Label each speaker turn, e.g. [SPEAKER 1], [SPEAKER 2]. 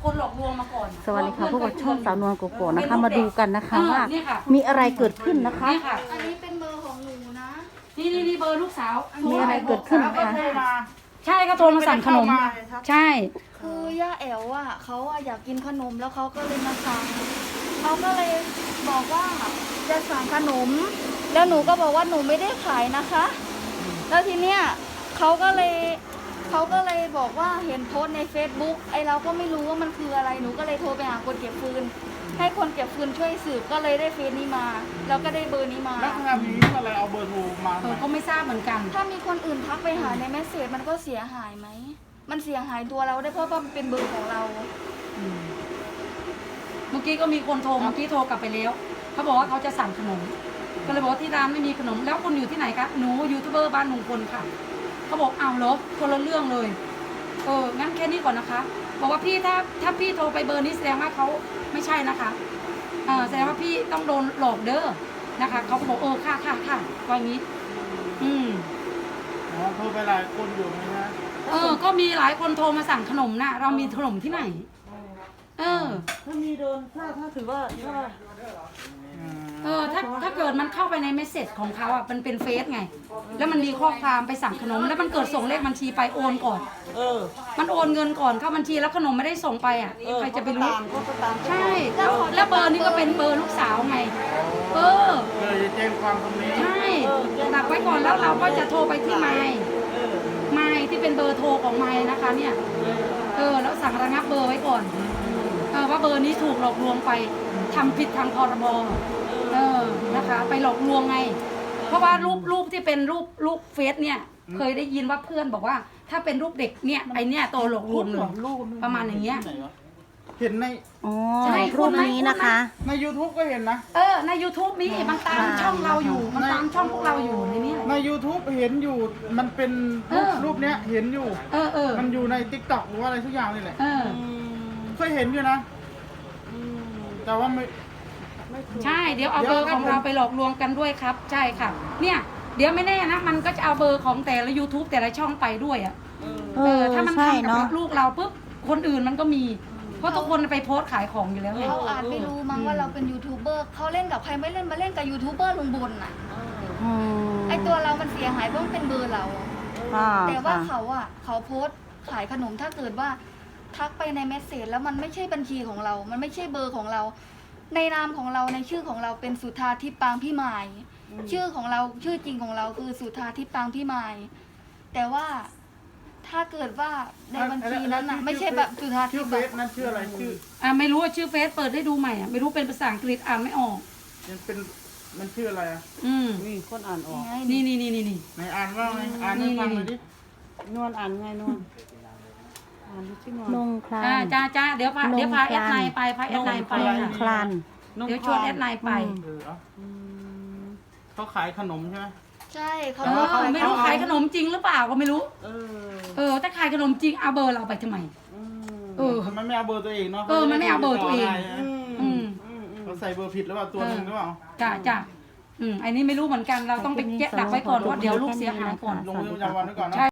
[SPEAKER 1] คนหลอกลวงมาก่อน
[SPEAKER 2] สวัสดีค่ะพวกเราช่องสาวนวลโกโก้นะคะมาดูกันนะคะว่ามีอะไรเกิดขึ้นนะคะ
[SPEAKER 3] อันนี้เป็นเบอร์ของหนูนะ
[SPEAKER 1] นี่เบอร์ลูกสาว
[SPEAKER 2] มีอะไรเกิดขึ้นนะคะ
[SPEAKER 1] ใช่ก็โทรมาสั่งขนมใช่
[SPEAKER 3] คือย่าแอ๋วอ่ะเขาอะอยากกินขนมแล้วเขาก็เลยมาสั่งเขาก็เลยบอกว่าจะสั่งขนม แล้วหนูก็บอกว่าหนูไม่ได้ขายนะคะ แล้วทีเนี้ยเขาก็เลยบอกว่าเห็นโพสต์ใน Facebook ไอเราก็ไม่รู้ว่ามันคืออะไรหนูก็เลยโทรไปหาคนเก็บฟืนให้คนเก็บฟืนช่วยสืบก็เลยได้เฟซนี้มาแล้วก็ได้เบอร์นี้มา
[SPEAKER 4] แล้วทำนี้อะไรเอาเบอร์โทรมา
[SPEAKER 1] ก็ไม่ทราบเหมือนกัน
[SPEAKER 3] ถ้ามีคนอื่นทักไปหาในเมสเซจมันก็เสียหายไหมมันเสียหายตัวเราได้เพราะว่ามันเป็นเบอร์ของเรา
[SPEAKER 1] เมื่อกี้ก็มีคนโทรเมื่อกี้โทรกลับไปแล้วเขาบอกว่าเขาจะสั่งขนมก็เลยบอกว่าที่ร้านไม่มีขนมแล้วคุณอยู่ที่ไหนคะหนูยูทูบเบอร์บ้านลุงพลค่ะเขาบอกเอาเหรอคนละเรื่องเลยงั้นแค่นี้ก่อนนะคะบอกว่าพี่ถ้าพี่โทรไปเบอร์นี้แสดงว่าเขาไม่ใช่นะคะแสดงว่าพี่ต้องโดนหลอกเด้อนะคะเขาก็บอกค่ะว่างี้
[SPEAKER 4] โทรไปหลายคนอยู่ไหมฮะ
[SPEAKER 1] ก็มีหลายคนโทรมาสั่งขนมนะเรามีขนมที่ไหน
[SPEAKER 2] ถ้ามีโดนถ้าถือว่า
[SPEAKER 1] ถ้าเกิดมันเข้าไปในเมสเซจของเขาอ่ะมันเป็นเฟซไงแล้วมันมีข้อความไปสั่งขนมแล้วมันเกิดส่งเลขบัญชีไปโอนก่อนมันโอนเงินก่อนเข้าบัญชีแล้วขนมไม่ได้ส่งไปอ่ะใครจะไปรู้ใช่แล้วเบอร์นี้ก็เป็นเบอร์ลูกสาวไง
[SPEAKER 4] เลยแจ้งความตรงนี้
[SPEAKER 1] ใช่ตักไว้ก่อนแล้วเราก็จะโทรไปที่ไมค์ที่เป็นเบอร์โทรของไมค์นะคะเนี่ยแล้วสั่งระงับเบอร์ไว้ก่อนว่าเบอร์นี้ถูกหลอกลวงไปทำผิดทางพรบนะคะไปหลอกลวงไงเพราะว่ารูปที่เป็นรูปเฟซเนี่ยเคยได้ยินว่าเพื่อนบอกว่าถ้าเป็นรูปเด็กเนี่ยไอเนี่ยโตหลอกลวงเลยประมาณอย่างเงี้ย
[SPEAKER 4] เห็นใน
[SPEAKER 2] รูปนี้นะคะ
[SPEAKER 4] ใน YouTube ก็เห็นนะ
[SPEAKER 1] ใน YouTube มีมันตามช่องเราอยู่มันตามช่องพวกเราอยู่ในนี้
[SPEAKER 4] ใน YouTube เห็นอยู่มันเป็นรูปเนี้ยเห็นอยู่มันอยู่ใน TikTok หรือว่าอะไรทุกอย่างนี่แหละเคยเห็นอยู่นะแต่ว่าไม่
[SPEAKER 1] ใช่เดี๋ยวเอาเบอร์ของเราไปหลอกลวงกันด้วยครับใช่ค่ะเนี่ยเดี๋ยวไม่แน่นะมันก็จะเอาเบอร์ของแต่ละ YouTube แต่ละช่องไปด้วยถ้ามันทำกับลูกเราปุ๊บคนอื่นมันก็มีเพราะทุกคนไปโพสต์ขายของอยู่แล้วไง
[SPEAKER 3] เขาอาจไม่รู้มั้งว่าเราเป็นยูทูบเบอร์เขาเล่นกับใครไม่เล่นมาเล่นกับยูทูบเบอร์ลุงบนน่ะไอตัวเรามันเสียหายเพราะมันเป็นเบอร์เราแต่ว่าเขาโพสต์ขายขนมถ้าเกิดว่าทักไปในเมสเซจแล้วมันไม่ใช่บัญชีของเรา มันไม่ใช่เบอร์ของเราในนามของเราในชื่อของเราเป็นสุธาทิพย์ปางพี่มายชื่อของเราชื่อจริงของเราคือสุธาทิพย์ปางพี่มายแต่ว่าถ้าเกิดว่าในบัญชีนั้นน่ะไม่ใช่แบบสุธาทิพย์แบบ
[SPEAKER 4] นั่นชื่ออะไรชื่อ
[SPEAKER 1] ไม่รู้ว่าชื่อเฟซเปิดให้ดูใหม่ไม่รู้เป็นภาษาอังกฤษอ่านไม่ออก
[SPEAKER 4] มันชื่ออะไร
[SPEAKER 2] นี่คนอ่านออก
[SPEAKER 1] นี่
[SPEAKER 4] ไหนอ่านว่าไงอ่านให้ฟังหน่อยดิ
[SPEAKER 2] นวลอ่านไงนวลนงคลาน
[SPEAKER 1] จ้าเดี๋ยวพาแอดไลน์ไปพาแอดไลน์ไป
[SPEAKER 2] คลาน
[SPEAKER 1] เดี๋ยวชวนแอดไลน์ไป
[SPEAKER 4] เขาขายขนมใช่ไหม
[SPEAKER 3] ใช่เขา
[SPEAKER 1] ไม่รู้ขายขนมจริงหรือเปล่าก็ไม่รู้ถ้าขายขนมจริงเอาเบอร์เราไปทำไม
[SPEAKER 4] มันไม่เอาเบอร์ตัวเองเนาะ
[SPEAKER 1] มันไม่เอาเบอร์ตัวเอง
[SPEAKER 4] เราใส่เบอร์ผิดหรือเปล่าตัวนึงหรือเปล่า
[SPEAKER 1] จ้าอันนี้ไม่รู้เหมือนกันเราต้องไปแยกดักไว้ก่อนว่าเดี๋ยวลูกเสียหายก่อน
[SPEAKER 4] ลงมือประจำวันไว้ก่อนนะ